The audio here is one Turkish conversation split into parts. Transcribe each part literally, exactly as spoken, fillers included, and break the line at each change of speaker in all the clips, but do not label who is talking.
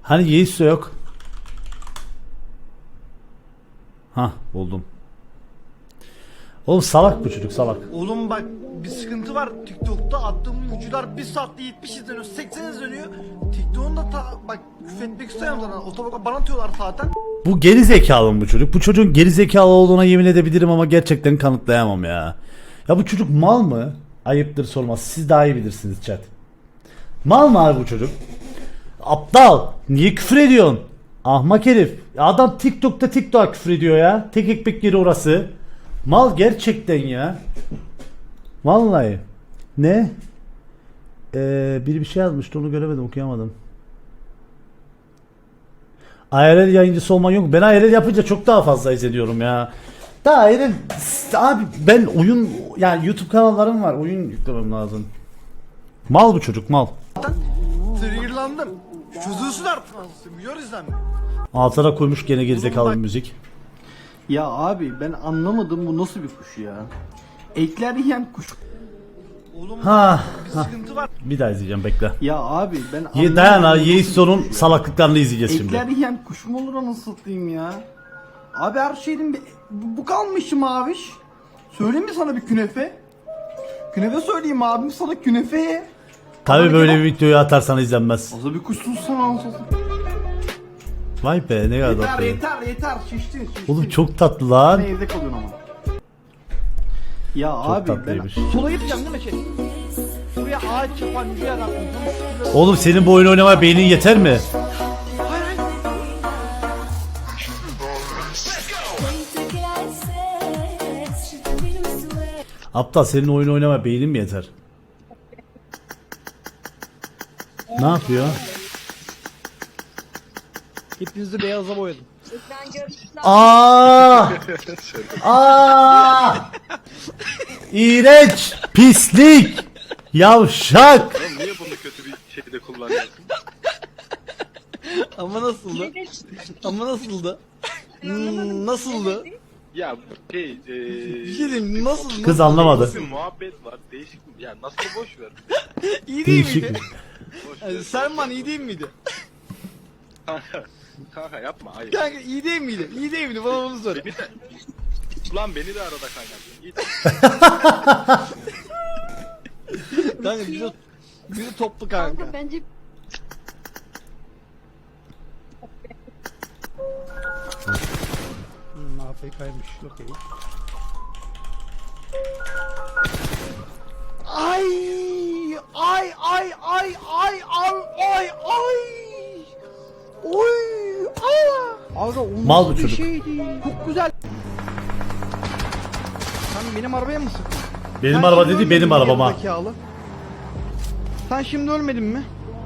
Hani Yeis de yok. Hah buldum. Oğlum salak bu çocuk salak.
Oğlum bak bir sıkıntı var TikTok'ta attığım videolar bir saatte yetmiş izleniyor, seksen izleniyor. TikTok'un da ta, bak küfretmek istemiyorum zaten. Otobaka bana atıyorlar zaten.
Bu geri zekalı mı bu çocuk? Bu çocuğun geri zekalı olduğuna yemin edebilirim ama gerçekten kanıtlayamam ya. Ya bu çocuk mal mı? Ayıptır sormaz. Siz daha iyi bilirsiniz chat. Mal mı abi bu çocuk? Aptal. Niye küfür ediyorsun? Ahmak herif. Adam TikTok'ta TikTok'a küfür ediyor ya. Tek ekmek yeri orası. Mal gerçekten ya. Vallahi. Ne? Ee, biri bir şey yazmıştı onu göremedim okuyamadım. I R L yayıncısı olman yok. Ben I R L yapınca çok daha fazla izleniyorum ya. Daha I R L abi ben oyun yani YouTube kanallarım var. Oyun yüklemem lazım. Mal bu çocuk mal.
Triggerlandım. Çözülsün artık. Milyon izlenme.
Altına koymuş gene gerizekalı bir müzik.
Ya abi ben anlamadım bu nasıl bir kuş ya? Ekler yiyen kuş.
Oğlum
Ha,
bir sıkıntı var.
bir daha izleyeceğim bekle.
Ya abi ben anlamadım.
Ye dayan abi
bu nasıl bir
Yeison'un
kuş ya?
salaklıklarını izleyeceğiz
Ekler
şimdi.
yiyen kuş mu olur anasını satayım ya? Abi her şeyin bir... Bu, bu kalmışım abiş. Söyleyeyim mi sana bir künefe? Künefe söyleyeyim abim sana künefe.
Tabi
Bana
böyle
gel-
bir videoyu atarsan izlenmez.
Fazla bir kuşsun sen anasını satayım.
Vay be ne kadar
Yeter
tatlı.
yeter yeter şiştin şiştin.
Oğlum çok tatlı lan.
Ben evde kalıyorsun ama. Ya abi ben...
tatlıymış.
Sola gideceğim değil mi şey? Buraya ağaç yapan bir yer atmış.
Oğlum senin bu oyun oynamaya beynin yeter mi? Aptal senin oyun oynamaya beynin mi yeter? Ne yapıyor?
Hepinizi beyaza boyadım.
Aa! Aa! İğrenç, pislik, yavşak.
Oğlum niye bunu kötü bir şekilde kullanıyorsun?
Ama nasıldı? Ama nasıldı? Hmm, nasıldı?
Ya şey eee...
Bir şey diyeyim nasıl?
Kız anlamadı.
Bir muhabbet var değişik ya nasıl boş ver.
İyi değil
Değişik.
miydi?
Boş ver.
Yani Selman iyi değil miydi?
Kanka, kanka yapma hayır.
Kanka iyi değil miydi? İyi değil miydi? Bana bunu söyle.
Beni de... Ulan beni de arada kaynattın. Git.
Kanka bizi, bizi toplu kanka.
Kanka bence
Hmm, A F K'ymış. Okey. Ay ay ay ay ay ay ay ay. Oy! Aa! Abi o
Mal
nasıl
bu
bir
çocuk.
şeydi? Çok güzel. Sen benim arabaya mı sıktın?
Benim
Sen
araba
şimdi
dedi
ölmedin
benim
mi
arabama.
gerizekalı? Sen şimdi ölmedin mi?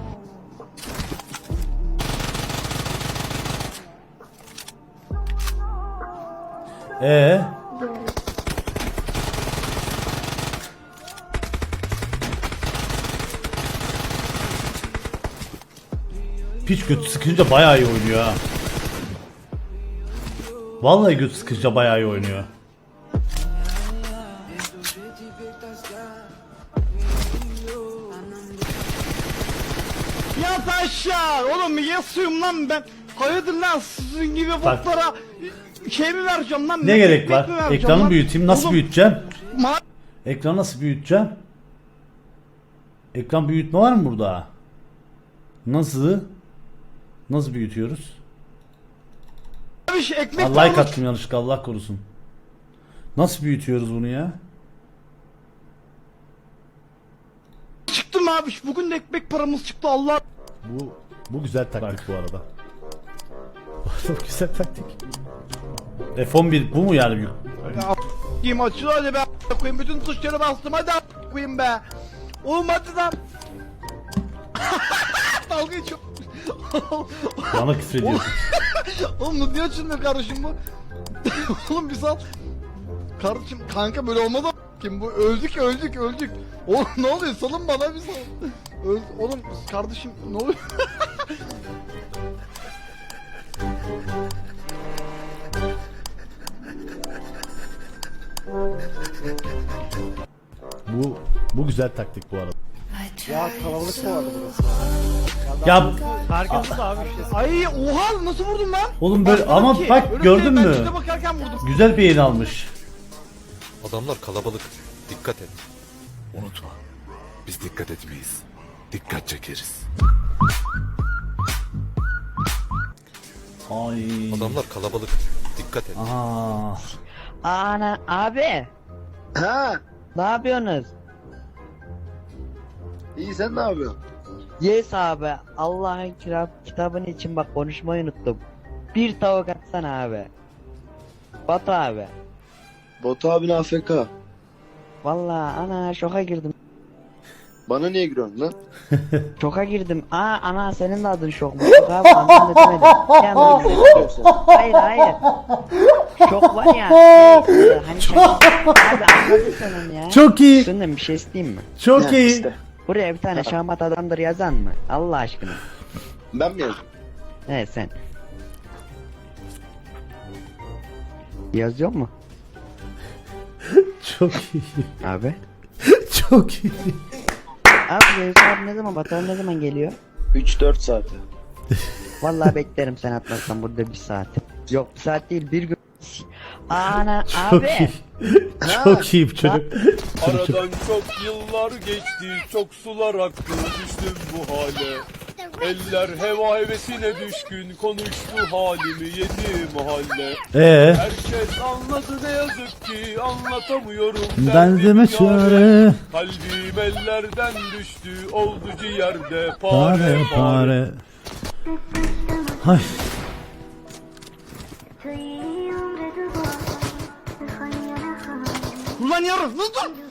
Ee? Piç götü sıkınca bayağı iyi oynuyor ha. Vallahi götü sıkınca bayağı iyi oynuyor.
Yat aşağı! Oğlum yasıyorum lan ben. Hayırdır lan sizin gibi
Bak.
botlara şey mi vereceğim lan?
Ne gerek
ekmek
var?
mi vereceğim
Ekranı
lan?
büyüteyim. Nasıl
Oğlum,
büyüteceğim?
ma-
Ekranı nasıl büyüteceğim? Ekran büyütme var mı burada? Nasıl? Nasıl büyütüyoruz?
Abi şey, ekmek
Allah like
pahalı
attım yanlışlıkla Allah korusun. Nasıl büyütüyoruz bunu ya?
çıktım abi. Bugün de ekmek paramız çıktı Allah.
Bu bu güzel taktik bu arada. Bu güzel taktik. F on bir bu mu yani büyük?
Kim açıyor hadi be a- koyayım bütün tuşları bastım hadi a- koyayım be. Oğlum hadi lan. Dalga geçiyor.
Bana küfür ediyorsun.
Oğlum niye açılmıyor kardeşim bu? Oğlum bir sal. Kardeşim kanka böyle olmaz a- kim bu öldük öldük öldük. Oğlum ne oluyor salın bana bir sal. Öl oğlum kardeşim ne oluyor?
Bu bu güzel taktik bu arada.
Ya
Kalabalık kovadı burası.
Ya
Herkes de abi işte.
Ay oha nasıl vurdum lan?
oğlum böyle
Bakmadım
ama
ki.
bak
Öyle
gördün
ben
mü?
çite bakarken vurdum.
Güzel bir yayın almış.
Adamlar kalabalık. Dikkat et. Unutma. Biz dikkat etmeyiz. Dikkat çekeriz.
Ay.
Adamlar kalabalık. Dikkat et.
Aa.
Ana abi.
Ha,
Ne yapıyorsunuz?
iyi sen ne yapıyorsun?
Yes abi. Allah'ın kitap, kitabın için bak konuşmayı unuttum. Bir tavuk atsana abi. Batu abi.
Batu abin A F K.
Vallahi ana şoka girdim.
Bana niye giriyorsun lan?
Şoka girdim. Aa ana senin de adın şok mu? Şok abi anlam da demedim. Bir anda dedim. Hayır hayır. Şok var ya. Şey, e, hani şaşırdım. Abi anladın sen onu ya.
Çok iyi.
Senden bir şey isteyeyim mi?
Çok
Ha,
iyi.
işte.
Buraya bir tane şahmat adamdır yazan mı? Allah aşkına.
Ben mi yazdım?
Evet sen. Yazıyor mu
Çok iyi.
abi?
Çok iyi.
Abi Zeus abi ne zaman Batuhan ne zaman geliyor?
üç dört saate.
Vallahi beklerim sen atmazsan burada bir saat. Yok bir saat değil bir gün. Ana
Çok
abi.
iyi. Çok iyi bir çocuk.
Aradan çok yıllar geçti, çok sular aktı, düştüm bu hale. Eller heva hevesine düşkün, konuştu halimi yedi mahalle.
Ee,
Herkes anladı ne yazık ki, anlatamıyorum
ben
derdimi
deme
yâre.
çare.
Kalbim ellerden düştü, oldu ciğerde
Pare
pare pare.
pare. Hay.
Ulan yarın dur dur.